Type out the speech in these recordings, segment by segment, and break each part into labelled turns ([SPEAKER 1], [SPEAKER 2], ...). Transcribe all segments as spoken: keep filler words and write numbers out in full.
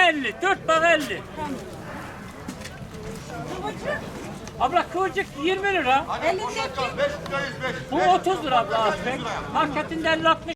[SPEAKER 1] elli, dört bak elli. Abla kıvırcık yirmi lira. Bu otuz lira abla aspek. Marketinde elli altmış.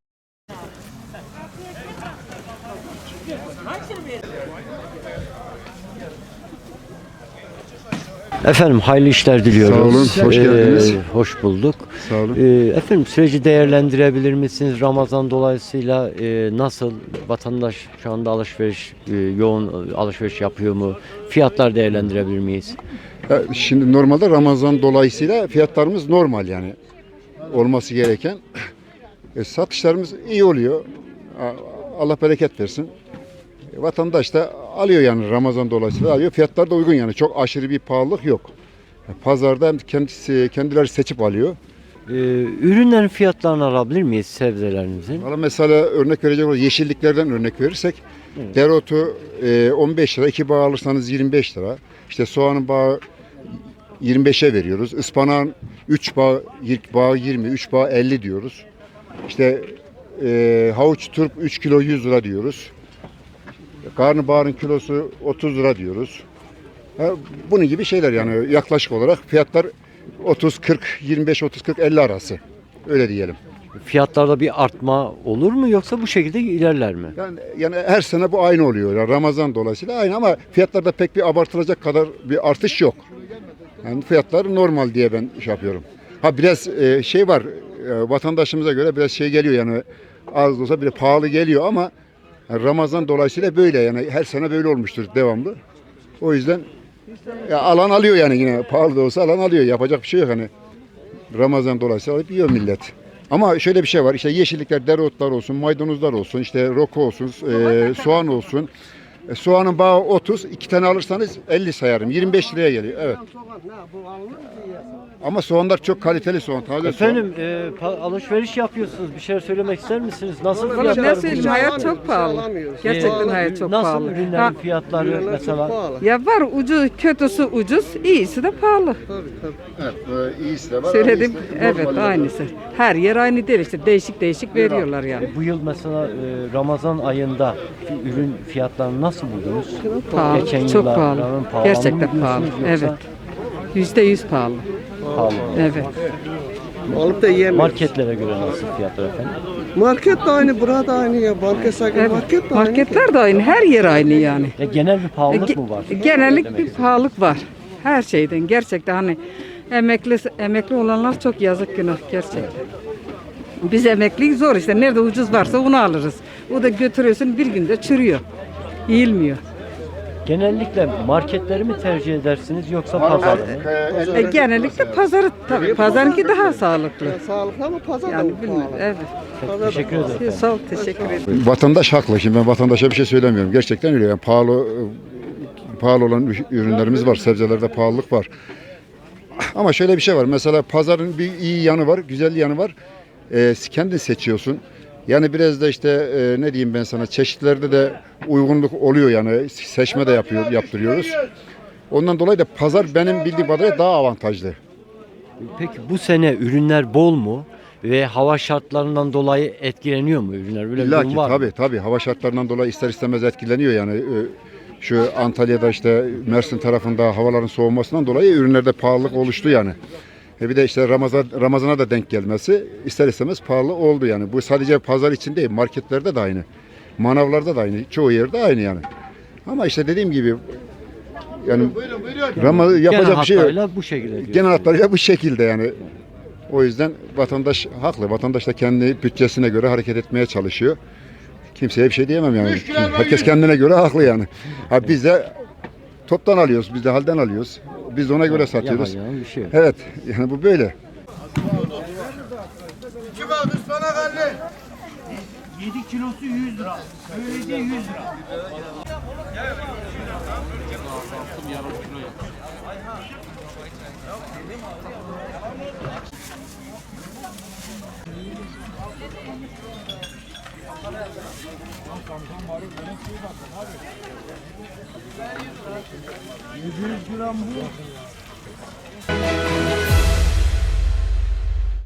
[SPEAKER 2] Efendim hayırlı işler diliyoruz.
[SPEAKER 3] Sağ olun, hoş geldiniz.
[SPEAKER 2] Ee, hoş bulduk.
[SPEAKER 3] Sağ olun.
[SPEAKER 2] Ee, efendim süreci değerlendirebilir misiniz? Ramazan dolayısıyla e, nasıl vatandaş şu anda alışveriş e, yoğun alışveriş yapıyor mu? Fiyatlar değerlendirebilir miyiz?
[SPEAKER 3] Ya şimdi normalde Ramazan dolayısıyla fiyatlarımız normal yani olması gereken. E, satışlarımız iyi oluyor. A- Allah bereket versin. E, vatandaş da alıyor yani Ramazan dolayısıyla alıyor. Fiyatlar da uygun yani çok aşırı bir pahalılık yok. E, Pazarda kendisi kendileri seçip alıyor.
[SPEAKER 2] Ee, ürünlerin fiyatlarını alabilir miyiz sebzelerinizin?
[SPEAKER 3] Valla mesela örnek verecek olursak yeşilliklerden örnek verirsek dereotu e, on beş lira, iki bağ alırsanız yirmi beş lira. İşte soğanın bağı yirmi beşe veriyoruz. Ispanağın üç bağ, bağ yirmi, üç bağ elli diyoruz. İşte e, havuç turp üç kilo yüz lira diyoruz. Karnabaharın kilosu otuz lira diyoruz. Ha, bunun gibi şeyler yani yaklaşık olarak fiyatlar otuz kırk, yirmi beş otuz kırk elli arası. Öyle diyelim.
[SPEAKER 2] Fiyatlarda bir artma olur mu yoksa bu şekilde ilerler mi?
[SPEAKER 3] Yani, yani her sene bu aynı oluyor. Yani Ramazan dolayısıyla aynı ama fiyatlarda pek bir abartılacak kadar bir artış yok. Yani fiyatlar normal diye ben şey yapıyorum. Ha biraz e, şey var e, vatandaşımıza göre biraz şey geliyor yani az da olsa bile pahalı geliyor ama yani Ramazan dolayısıyla böyle yani her sene böyle olmuştur devamlı. O yüzden ya alan alıyor yani yine pahalı da olsa alan alıyor. Yapacak bir şey yok hani. Ramazan dolayısıyla alıp yiyor millet. Ama şöyle bir şey var işte yeşillikler, dereotlar olsun, maydanozlar olsun, işte roko olsun, e, soğan olsun. E, soğanın bağı otuz, iki tane alırsanız elli sayarım. yirmi beş liraya geliyor. Evet. Ama soğanlar çok kaliteli soğan, taze
[SPEAKER 2] Efendim e, pa- alışveriş yapıyorsunuz. Bir şeyler söylemek ister misiniz? Nasıl
[SPEAKER 4] Valla
[SPEAKER 2] fiyatlar?
[SPEAKER 4] ne söyleyeyim,
[SPEAKER 2] bunlar?
[SPEAKER 4] hayat çok pahalı. Gerçekten
[SPEAKER 2] Ee,
[SPEAKER 4] hayat çok
[SPEAKER 2] nasıl
[SPEAKER 4] pahalı.
[SPEAKER 2] ürünlerin
[SPEAKER 4] Ha,
[SPEAKER 2] fiyatları mesela?
[SPEAKER 4] ya var ucuz, kötüsü ucuz, iyisi de pahalı.
[SPEAKER 3] Evet, e, iyisi de var.
[SPEAKER 4] Söyledim,
[SPEAKER 3] iyisi de
[SPEAKER 4] evet
[SPEAKER 3] normali de var.
[SPEAKER 4] aynısı. Her yer aynı değil işte, değişik değişik veriyorlar yani.
[SPEAKER 2] Bu yıl mesela e, Ramazan ayında fi- ürün fiyatlarını nasıl buldunuz?
[SPEAKER 4] Pahalı,
[SPEAKER 2] Geçen
[SPEAKER 4] çok
[SPEAKER 2] yıla
[SPEAKER 4] pahalı.
[SPEAKER 2] oranla pahalandı mı
[SPEAKER 4] Gerçekten pahalı,
[SPEAKER 2] diyorsunuz yoksa
[SPEAKER 4] evet. Yüzde yüz pahalı,
[SPEAKER 2] pahalı.
[SPEAKER 4] evet.
[SPEAKER 5] Alıp da yiyemiyoruz.
[SPEAKER 2] Marketlere göre nasıl fiyatlar efendim?
[SPEAKER 5] Market de aynı, burada aynı ya. Market sanki
[SPEAKER 4] Evet,
[SPEAKER 5] market de aynı.
[SPEAKER 4] marketler de aynı, her yer aynı yani.
[SPEAKER 2] Ya genel bir pahalılık
[SPEAKER 4] Ge-
[SPEAKER 2] mı var?
[SPEAKER 4] Genellik
[SPEAKER 2] Demek
[SPEAKER 4] bir
[SPEAKER 2] istedim.
[SPEAKER 4] pahalılık var. Her şeyden gerçekten hani emekli emekli olanlar çok yazık günah gerçekten. Biz emekliyiz zor işte. Nerede ucuz varsa onu alırız. O da götürüyorsun bir günde çürüyor. Yiyilmiyor.
[SPEAKER 2] Genellikle marketleri mi tercih edersiniz yoksa pazarı mı?
[SPEAKER 4] E, genellikle pazarı tabii. Pazarınki daha sağlıklı.
[SPEAKER 5] Ya sağlıklı ama pazar da
[SPEAKER 4] Yani
[SPEAKER 5] bu
[SPEAKER 4] bilmiyorum.
[SPEAKER 5] pahalı.
[SPEAKER 4] Evet.
[SPEAKER 2] Çok teşekkür ederim.
[SPEAKER 4] Sağ ol, teşekkür ederim.
[SPEAKER 3] Vatandaş haklı. Şimdi ben vatandaşa bir şey söylemiyorum. Gerçekten öyle. Yani pahalı e, pahalı olan ürünlerimiz var. Sebzelerde pahalılık var. Ama şöyle bir şey var. Mesela pazarın bir iyi yanı var, güzel yanı var. Ee, kendin seçiyorsun. Yani biraz da işte e, ne diyeyim ben sana çeşitlerde de uygunluk oluyor yani seçme de yapıyor, yaptırıyoruz. Ondan dolayı da pazar benim bildiğim kadarıyla daha avantajlı.
[SPEAKER 2] Peki bu sene ürünler bol mu? Ve hava şartlarından dolayı etkileniyor mu ürünler? Böyle bir
[SPEAKER 3] İlla
[SPEAKER 2] durum
[SPEAKER 3] ki
[SPEAKER 2] var mı?
[SPEAKER 3] tabii tabii hava şartlarından dolayı ister istemez etkileniyor yani. Ee, Şu Antalya'da işte Mersin tarafında havaların soğumasından dolayı ürünlerde pahalılık oluştu yani. E bir de işte Ramazan Ramazan'a da denk gelmesi ister istemez pahalı oldu yani. Bu sadece pazar için değil, marketlerde de aynı. Manavlarda da aynı, çoğu yerde aynı yani. Ama işte dediğim gibi yani Ramazan yapacak
[SPEAKER 2] Genel
[SPEAKER 3] bir şey yok.
[SPEAKER 2] hatlarıyla bu şekilde diyorsunuz.
[SPEAKER 3] Genel hatlarıyla bu şekilde yani. O yüzden vatandaş haklı. Vatandaş da kendi bütçesine göre hareket etmeye çalışıyor. Kimseye bir şey diyemem yani. Herkes kendine göre haklı yani. Ha biz de toptan alıyoruz, biz de halden alıyoruz. Biz de ona göre satıyoruz.
[SPEAKER 2] Yalan yalan bir şey yok.
[SPEAKER 3] Evet, yani bu böyle.
[SPEAKER 1] yedi kilosu yüz lira. Böylece yüz lira. yedi yüz gram bu.